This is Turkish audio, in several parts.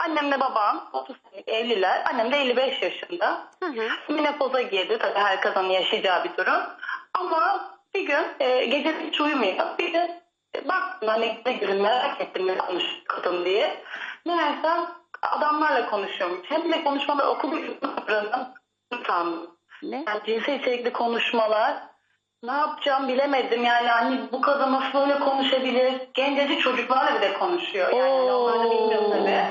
Annemle babam 30 senelik evliler. Annem de 55 yaşında. Menopoza girdi. Tabii her kadının yaşayacağı bir durum. Ama bir gün gece hiç uyumuyor. Bir de baktım hani ne gün merak ettim ne konuşuyor kadın diye. Meğerse adamlarla konuşuyormuş. Hem de konuşmalar okul sandım. Ne? Yani cinsel içerikli konuşmalar. Ne yapacağım bilemedim yani hani bu kadın nasıl böyle konuşabilir? Gencecik çocuklarla bile konuşuyor. Yani onları da bilmiyorum tabii.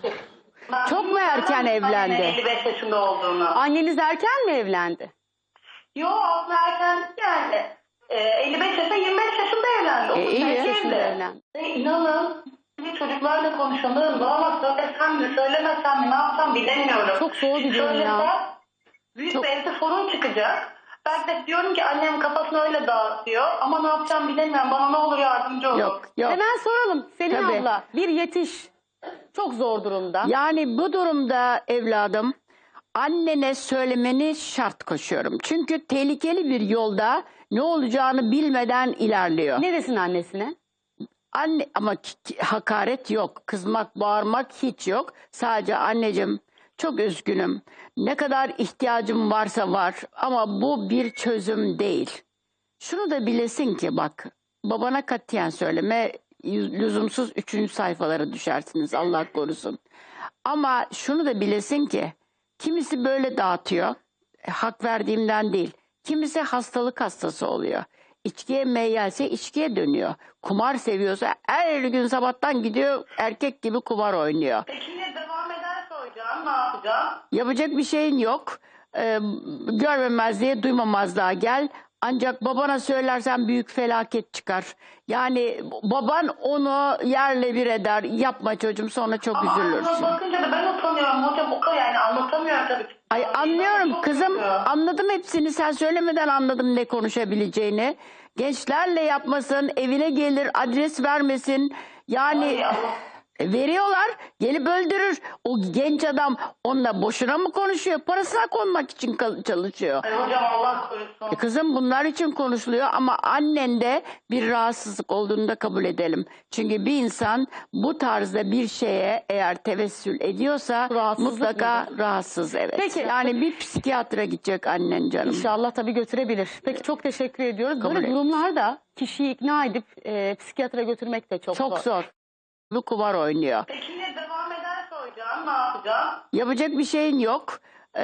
Ben Çok mu erken evlendi? 55 yaşında olduğunu. Anneniz erken mi evlendi? Yok aslında erken yani 55 yaşında 25 yaşında evlendi. 35 iyi evli. yaşında evlendi. İnanın çocuklarla konuşuyorum. Bana söylesem mi söylemesem mi ne yapsam bilemiyorum. Çok zor bir durum ya. Söylesem büyük bir evde sorun çıkacak. Ben de diyorum ki annem kafasını öyle dağıtıyor ama ne yapacağım bilemiyorum. Bana ne olur yardımcı olun. Yok. Hemen soralım Selin Tabii. abla. Bir yetiş. Çok zor durumda. Yani bu durumda evladım annene söylemeni şart koşuyorum. Çünkü tehlikeli bir yolda ne olacağını bilmeden ilerliyor. Ne desin annesine? Anne ama hakaret yok. Kızmak, bağırmak hiç yok. Sadece anneciğim çok üzgünüm. Ne kadar ihtiyacım varsa var ama bu bir çözüm değil. Şunu da bilesin ki bak babana katiyen söyleme lüzumsuz 3. sayfalara düşersiniz Allah korusun. Ama şunu da bilesin ki kimisi böyle dağıtıyor. Hak verdiğimden değil. Kimisi hastalık hastası oluyor. İçkiye meyyalse içkiye dönüyor. Kumar seviyorsa her gün sabahtan gidiyor erkek gibi kumar oynuyor. Peki yine devam ederse hocam ne yapacağım? Yapacak bir şeyin yok. Görmemezliğe duymamazlığa gel. Ancak babana söylersen büyük felaket çıkar. Yani baban onu yerle bir eder. Yapma çocuğum sonra çok Ama üzülürsün. bakınca da ben utanıyorum hocam o kadar yani anlatamıyorum tabii. Ay anlıyorum Çok kızım kötü. anladım hepsini sen söylemeden anladım ne konuşabileceğini. Gençlerle yapmasın evine gelir adres vermesin yani Ay Allah. veriyorlar gelip öldürür. O genç adam onunla boşuna mı konuşuyor parasına konmak için çalışıyor. Ay hocam Allah korusun. Kızım bunlar için konuşuluyor ama annende bir rahatsızlık olduğunu da kabul edelim. Çünkü bir insan bu tarzda bir şeye eğer tevessül ediyorsa Rahatsızlık mutlaka mıdır? rahatsız evet. Peki. Yani bir psikiyatra gidecek annen canım. İnşallah tabii götürebilir. Peki çok teşekkür ediyoruz. Kabul Böyle et. durumlarda kişiyi ikna edip psikiyatra götürmek de çok Çok zor. Bu kumar oynuyor. Peki yine devam ederse hocam ne yapacağım? Yapacak bir şeyin yok.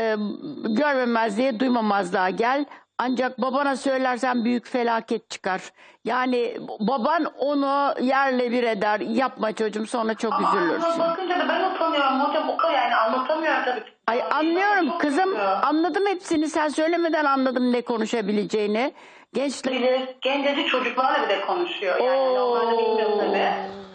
Görmemezliğe duymamazlığa gel. Ancak babana söylersen büyük felaket çıkar. Yani baban onu yerle bir eder. Yapma çocuğum sonra çok Ama üzülürsün. bakınca da ben utanıyorum hocam o kadar yani anlatamıyorum tabii. Ay anlıyorum Çok kızım kötü. anladım hepsini sen söylemeden anladım ne konuşabileceğini. Gençler Gencecik çocuklarla bile konuşuyor. Yani onları da bilmiyorum tabii.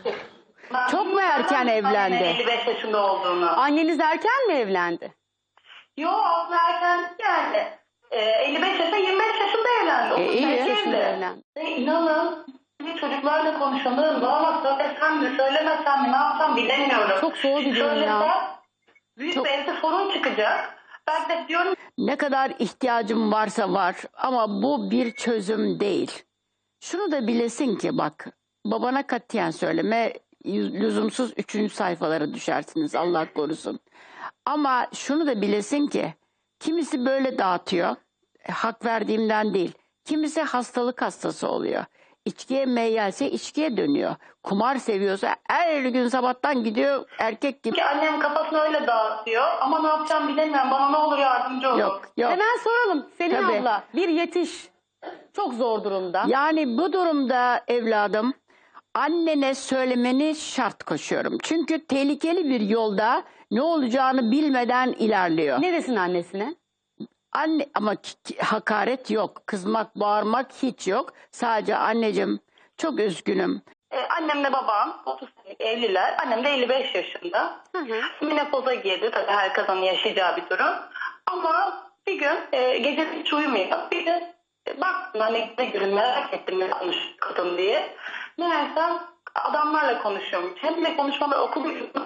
Ben Çok mu erken evlendi? 55 yaşında olduğunu. Anneniz erken mi evlendi? Yok aslında erken yani 55 yaşında 25 yaşında evlendi. iyi 35 yaşında evli. evlendi. İnanın çocuklarla konuşuyorum. Bana söylesem mi söylemesem mi ne yapsam bilemiyorum. Çok zor bir durum ya. Söylesem büyük Çok- bir evde sorun çıkacak. Ben de diyorum ne kadar ihtiyacım varsa var ama bu bir çözüm değil. Şunu da bilesin ki bak babana katiyen söyleme lüzumsuz 3. sayfalara düşersiniz Allah korusun. Ama şunu da bilesin ki kimisi böyle dağıtıyor. Hak verdiğimden değil. Kimisi hastalık hastası oluyor. İçkiye meyyalse içkiye dönüyor. Kumar seviyorsa her gün sabahtan gidiyor erkek gibi. ki annem kafasını öyle dağıtıyor ama ne yapacağım bilemiyorum. Bana ne olur yardımcı olun. Yok yok. Hemen soralım Selin Tabii. abla. Bir yetiş. Çok zor durumda. Yani bu durumda evladım annene söylemeni şart koşuyorum. Çünkü tehlikeli bir yolda ne olacağını bilmeden ilerliyor. Ne desin annesine? Anne ama hakaret yok. Kızmak, bağırmak hiç yok. Sadece anneciğim çok üzgünüm. Annemle babam 30 senelik evliler. Annem de 55 yaşında. Menopoza girdi. Tabii her kadının yaşayacağı bir durum. Ama bir gün gece hiç uyumuyor. Bir de baktım hani ne gün merak ettim ne konuşuyor kadın diye. Meğerse adamlarla konuşuyormuş. Hem de konuşmalar okul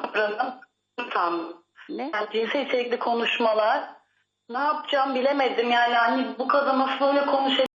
sandım. Ne? Yani cinsel içerikli konuşmalar. Ne yapacağım bilemedim yani hani bu kadın nasıl böyle konuşuyor.